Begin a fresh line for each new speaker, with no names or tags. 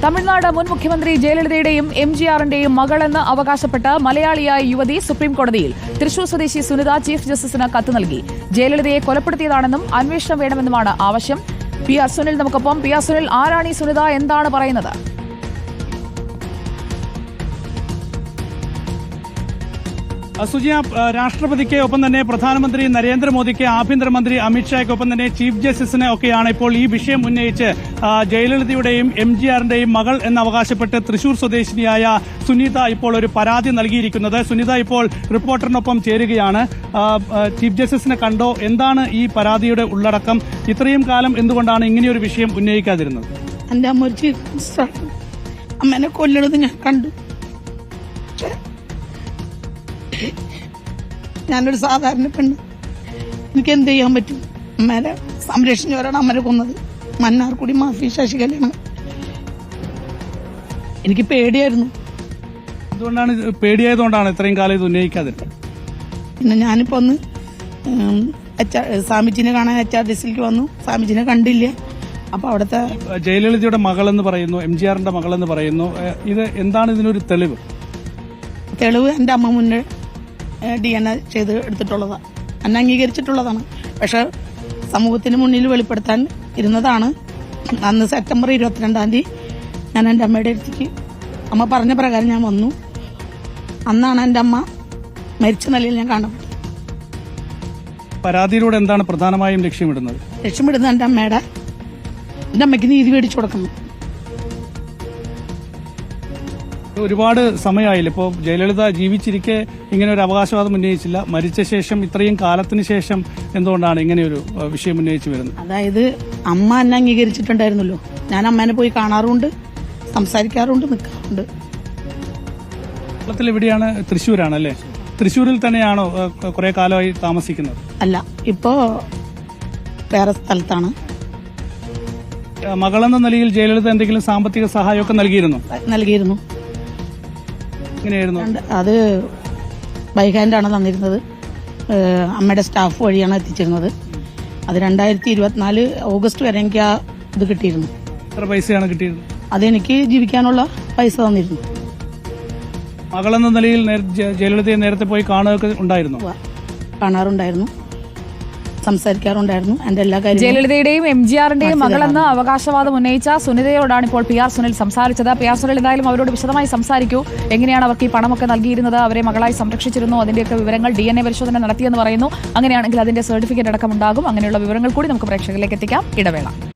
തമിഴ്നാട് മുൻ മുഖ്യമന്ത്രി ജയലളിതയുടെയും എംജിആറിന്റെയും മകളെന്ന് അവകാശപ്പെട്ട് മലയാളിയായ യുവതി സുപ്രീംകോടതിയിൽ തൃശൂർ സ്വദേശി സുനിത ചീഫ് ജസ്റ്റിസിന് കത്ത് നൽകി. ജയലളിതയെ കൊലപ്പെടുത്തിയതാണെന്നും അന്വേഷണം വേണമെന്നുമാണ് ആവശ്യം. പി ആർ സുനിൽ നമുക്കൊപ്പം. പി ആർ സുനിൽ, ആരാണ് ഈ സുനിത, എന്താണ് പറയുന്നത്?
സുജിയ, രാഷ്ട്രപതിക്ക് ഒപ്പം തന്നെ പ്രധാനമന്ത്രി നരേന്ദ്രമോദിക്ക്, ആഭ്യന്തരമന്ത്രി അമിത്ഷായ്ക്കൊപ്പം തന്നെ ചീഫ് ജസ്റ്റിസിനെ ഒക്കെയാണ് ഇപ്പോൾ ഈ വിഷയം ഉന്നയിച്ച് ജയലളിതയുടെയും എംജിആറിന്റെയും മകൾ എന്നവകാശപ്പെട്ട് തൃശൂർ സ്വദേശിനിയായ സുനിത ഇപ്പോൾ ഒരു പരാതി നൽകിയിരിക്കുന്നത്. സുനിത ഇപ്പോൾ റിപ്പോർട്ടറിനൊപ്പം ചേരുകയാണ്. ചീഫ് ജസ്റ്റിസിനെ കണ്ടോ? എന്താണ് ഈ പരാതിയുടെ ഉള്ളടക്കം? ഇത്രയും കാലം എന്തുകൊണ്ടാണ് ഇങ്ങനെയൊരു വിഷയം ഉന്നയിക്കാതിരുന്നത്?
എന്റെ അമ്മ ഒരു ചീഫ് ജസ്റ്റിസാണ്. അമ്മേനെ കൊല്ലണത് ഞാൻ കണ്ടു. ഞാനൊരു സാധാരണ പെണ്ണ്, എനിക്ക് എന്ത് ചെയ്യാൻ പറ്റും? അമ്മേനെ സംരക്ഷിച്ചവരാണ് അമ്മരെ കൊന്നത്. മന്നാർക്കുടി മാഫി ശശികലയാണ്. എനിക്ക് പേടിയായിരുന്നു.
എന്തുകൊണ്ടാണ് പേടിയായതുകൊണ്ടാണ് ഇത്രയും കാലം ഇത് ഉന്നയിക്കാതിരുന്നത്?
പിന്നെ ഞാനിപ്പോ ഒന്ന് സ്വാമിജിനെ കാണാൻ HRDCയിലേക്ക് വന്നു. സ്വാമിജിനെ കണ്ടില്ല. അപ്പൊ അവിടുത്തെ
ജയലളിതയുടെ മകളെന്ന് പറയുന്നു, എംജിആറിന്റെ മകളെന്ന് പറയുന്നു. ഇത് എന്താണ് ഇതിനൊരു തെളിവ്?
തെളിവ് എന്റെ അമ്മ മുന്നേ DNA ചെയ്ത് എടുത്തിട്ടുള്ളതാണ്, എന്നെ അംഗീകരിച്ചിട്ടുള്ളതാണ്. പക്ഷെ സമൂഹത്തിന് മുന്നിൽ വെളിപ്പെടുത്താൻ ഇരുന്നതാണ്. അന്ന് സെപ്റ്റംബർ 22-ാം തീയതി ഞാൻ എൻ്റെ അമ്മയുടെ അടുത്തേക്ക് അമ്മ പറഞ്ഞ പ്രകാരം ഞാൻ വന്നു. അന്നാണ് എൻ്റെ അമ്മ മരിച്ച നിലയിൽ ഞാൻ കാണപ്പെട്ടത്.
പരാതിയിലൂടെ എന്താണ് പ്രധാനമായും ലക്ഷ്യമിടുന്നത്?
എൻ്റെ അമ്മയ്ക്ക് നീതി മേടിച്ചു കൊടുക്കണം.
ഒരുപാട് സമയമായില്ല. ഇപ്പോൾ ജയലളിത ജീവിച്ചിരിക്കെ ഇങ്ങനെ ഒരു അവകാശവാദം ഉന്നയിച്ചില്ല. മരിച്ച ശേഷം ഇത്രയും കാലത്തിന് ശേഷം എന്തുകൊണ്ടാണ് ഇങ്ങനെയൊരു വിഷയം ഉന്നയിച്ചു വരുന്നത്?
അതായത് അമ്മ എന്നെ അംഗീകരിച്ചിട്ടുണ്ടായിരുന്നല്ലോ. ഞാൻ അമ്മേനെ പോയി കാണാറുണ്ട്, സംസാരിക്കാറുണ്ട്, നിൽക്കാറുണ്ട്.
കേരളത്തിൽ എവിടെയാണ്? തൃശ്ശൂരാണല്ലേ? തൃശ്ശൂരിൽ തന്നെയാണോ കുറെ കാലമായി താമസിക്കുന്നത്?
അല്ല, ഇപ്പോ വേറെ സ്ഥലത്താണ്.
മകളെന്ന നിലയിൽ ജയലളിത എന്തെങ്കിലും സാമ്പത്തിക സഹായമൊക്കെ
നൽകിയിരുന്നു. അത് ബൈ ഹാൻഡാണ് തന്നിരുന്നത്. അമ്മയുടെ സ്റ്റാഫ് വഴിയാണ് എത്തിച്ചിരുന്നത്. അത് 2024 ഓഗസ്റ്റ് വരെ എനിക്ക് ആ ഇത് കിട്ടിയിരുന്നു.
എത്ര പൈസയാണ് കിട്ടിയത്?
അതെനിക്ക് ജീവിക്കാനുള്ള പൈസ തന്നിരുന്നു.
മകളെന്ന നിലയിൽ ജയലളിതയെ നേരത്തെ പോയി കാണുകയൊക്കെ ഉണ്ടായിരുന്നു?
കാണാറുണ്ടായിരുന്നു, സംസാരിക്കാറുണ്ടായിരുന്നു. എന്റെ എല്ലാ കാര്യവും
ജയലളിതയുടെയും എംജിആറിന്റെയും മകളെന്ന് അവകാശവാദം ഉന്നയിച്ച സുനിതയോടാണ് ഇപ്പോൾ പി ആർ സുനിൽ സംസാരിച്ചത്. പി ആർ സുനിൽ എന്തായാലും അവരോട് വിശദമായി സംസാരിക്കൂ. എങ്ങനെയാണ് അവർക്ക് ഈ പണമൊക്കെ നൽകിയിരുന്നത്? അവരെ മകളായി സംരക്ഷിച്ചിരുന്നു? അതിന്റെയൊക്കെ വിവരങ്ങൾ DNA പരിശോധന നടത്തിയെന്ന് പറയുന്നു. അങ്ങനെയാണെങ്കിൽ അതിന്റെ സർട്ടിഫിക്കറ്റ് അടക്കം ഉണ്ടാകും. അങ്ങനെയുള്ള വിവരങ്ങൾ കൂടി നമുക്ക് പ്രേക്ഷകരിലേക്ക് എത്തിക്കാം. ഇടവേള.